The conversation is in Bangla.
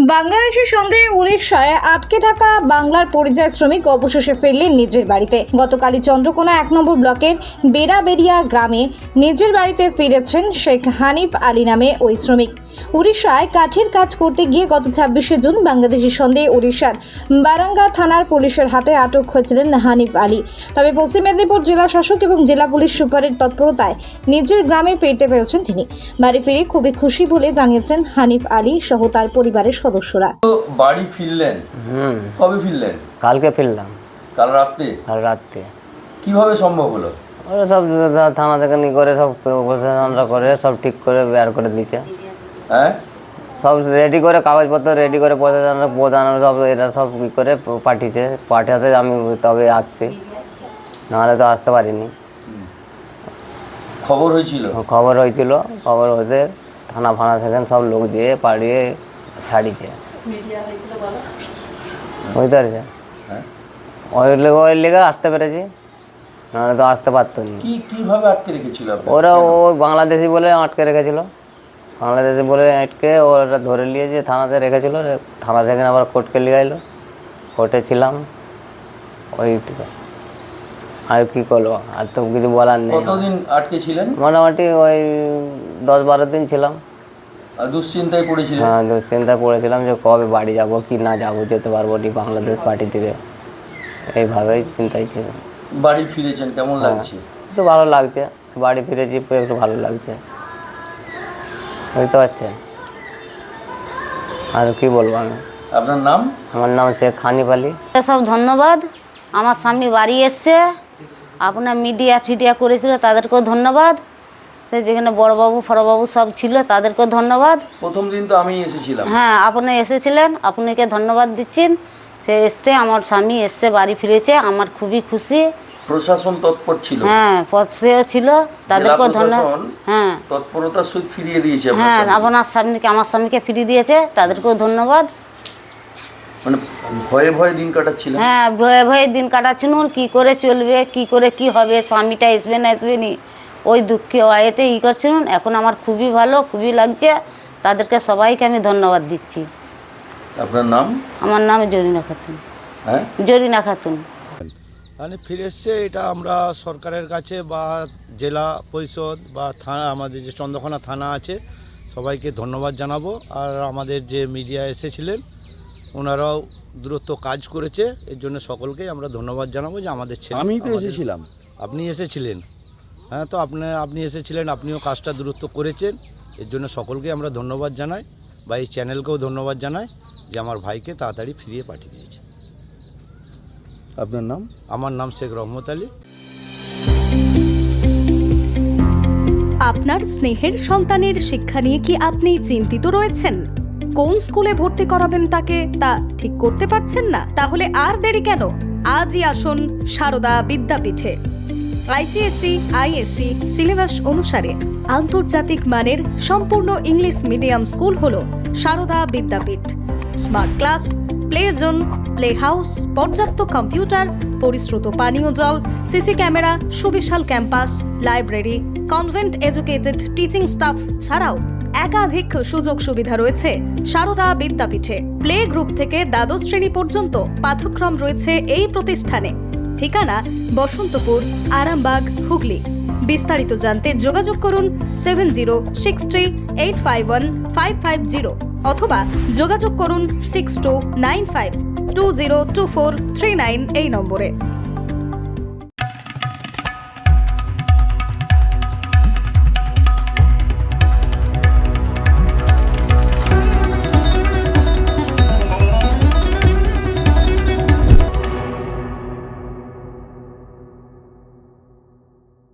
বাংলাদেশের সন্দেহে উড়িষ্যায় আটকে থাকা বাংলার পরিযায়ী শ্রমিক অবশেষে ফিরলেন নিজের বাড়িতে। গতকালই চন্দ্রকোনা ১ নম্বর ব্লকের বেড়াবেড়িয়া গ্রামে নিজের বাড়িতে ফিরেছেন শেখ হানিফ আলী নামে ওই শ্রমিক। উড়িষ্যায় কাঠের কাজ করতে গিয়ে গত ২৬শে জুন বাংলাদেশের সন্দেহে উড়িষ্যার বারাঙ্গা থানার পুলিশের হাতে আটক হয়েছিলেন হানিফ আলী। তবে পশ্চিম মেদিনীপুর জেলা শাসক এবং জেলা পুলিশ সুপারের তৎপরতায় নিজের গ্রামে ফিরতে পেরেছেন তিনি। বাড়ি ফিরে খুবই খুশি বলে জানিয়েছেন হানিফ আলী সহ তার পরিবারের সদস্যরা। বাড়ি ফিরলেন? কবে ফিরলেন? কালকে ফিরলাম। কাল রাতে? কাল রাতে। কিভাবে সম্ভব হলো? ওরা সব থানা থেকে নিয়ে করে সব প্রশাসনরা করে সব ঠিক করে বের করে দিয়েছে। হ্যাঁ, সব রেডি করে কাগজপত্র রেডি করে প্রধান সব এরা সব কী করে পাঠিয়েছে। পাঠাতে আমি তবে আসছি, নাহলে তো আসতে পারিনি। খবর হয়েছিল? খবর হয়েছিল, খবর হতে থানা ফানা থেকে সব লোক দিয়ে পাঠিয়ে ছাড়িয়েছে। বুঝতে পারছে? ওই লেগে আসতে পেরেছি, নাহলে তো আসতে পারতো না। কিভাবে আটকে রেখেছিল? ওরা বাংলাদেশি বলে আটকে রেখেছিল। বাংলাদেশি বলে আটকে ওরা ধরে নিয়েছে, থানাতে রেখেছিল। থানা থেকে আবার কোর্টকে নিয়ে এলো, কোর্টে ছিলাম। ওইটুকু আর কি করলো, আর তো কিছু বলার নেই। কতদিন আটকে ছিলেন? মোটামুটি ওই ১০-১২ দিন ছিলাম। দুশ্চিন্তায় পড়েছিলেন? হ্যাঁ, দুশ্চিন্তায় পড়েছিলাম যে কবে বাড়ি যাব কি না যাব, যেতে পারবো নি বাংলাদেশ পার্টি থেকে, এইভাবেই চিন্তাই ছিল। বাড়ি ফিরেছেন, কেমন লাগছে? একটু ভালো লাগছে, বাড়ি ফিরেছি একটু ভালো লাগছে। বুঝতে পারছেন? আর কি বলবো আমি। আপনার নাম? আমার নাম শেখ হানিফ আলী। সব ধন্যবাদ। আমার সামনে বাড়ি এসছে, আপনার মিডিয়া করেছিল, তাদেরকেও ধন্যবাদ। তো যেখানে বড়বাবু ফড়বাবু সব ছিল তাদেরকেও ধন্যবাদ। প্রথম দিন তো আমি এসেছিলাম। হ্যাঁ, আপনি এসেছিলেন, আপনাকে ধন্যবাদ দিচ্ছেন। সে এসছে, আমার স্বামী এসছে, বাড়ি ফিরেছে, আমার খুবই খুশি। প্রশাসন তৎপর ছিল? হ্যাঁ, পথেও ছিল, তাদেরকেও ধন্যবাদ। হ্যাঁ, তৎপরতার সহিত ফিরিয়ে দিয়েছে। হ্যাঁ, আপনার স্বামীকে আমার স্বামীকে ফিরিয়ে দিয়েছে, তাদেরকেও ধন্যবাদ। মানে ভয়ে ভয়ে দিন কাটাচ্ছিলেন? হ্যাঁ, ভয়ে ভয়ে দিন কাটাচ্ছিলাম, কী করে চলবে, কী করে কি হবে, স্বামীটা আসবে না আসবে নি, ওই দুঃখে ওয়াইতে করছিলাম। এখন আমার খুবই ভালো, খুবই লাগছে। তাদেরকে সবাইকে আমি ধন্যবাদ দিচ্ছি। আপনার নাম? আমার নাম জরিনা খাতুন। হ্যাঁ, জরিনা খাতুন। মানে ফিরে এসছে, এটা আমরা সরকারের কাছে বা জেলা পরিষদ বা থানা, আমাদের যে চন্দ্রকোনা থানা আছে, সবাইকে ধন্যবাদ জানাবো। আর আমাদের যে মিডিয়া এসেছিলেন ওনারাও দূরত্ব কাজ করেছে, এর জন্য সকলকেই আমরা ধন্যবাদ জানাবো যে আমাদের ছেলে। আমি তো এসেছিলাম। আপনি এসেছিলেন? হ্যাঁ, তো আপনি এসেছিলেন, আপনিও কাজটা দূরত্ব করেছেন, এর জন্য সকলকে আমরা ধন্যবাদ জানাই বা এই চ্যানেলকেও ধন্যবাদ জানাই যে আমার ভাইকে তাড়াতাড়ি ফিরিয়ে পাঠিয়ে দিয়েছে। আপনার নাম? আমার নাম শেখ রহমত আলী। আপনার স্নেহের সন্তানের শিক্ষা নিয়ে কি আপনি চিন্তিত রয়েছেন? কোন স্কুলে ভর্তি করাবেন তাকে তা ঠিক করতে পারছেন না? তাহলে আর দেরি কেন? আজই আসুন সারদা বিদ্যাপীঠে। আইসিএসসি আইএসসি সিলেবাস অনুসারে আন্তর্জাতিক মানের সম্পূর্ণ ইংলিশ মিডিয়াম স্কুল হলো Sarada Vidyapith. Smart class, play zone, play house, পর্যাপ্ত কম্পিউটার, পরিশ্রুত পানীয় জল, সিসি ক্যামেরা, সুবিশাল campus, library, convent educated teaching staff ছাড়াও একাধিক সুযোগ সুবিধা রয়েছে সারদা বিদ্যাপীঠে। প্লে গ্রুপ থেকে দ্বাদশ শ্রেণী পর্যন্ত পাঠ্যক্রম রয়েছে এই প্রতিষ্ঠানে। ঠিকানা বসন্তপুর, আরামবাগ, হুগলি। বিস্তারিত জানতে যোগাযোগ করুন 7063851550 অথবা যোগাযোগ করুন 6295202439 এই নম্বরে।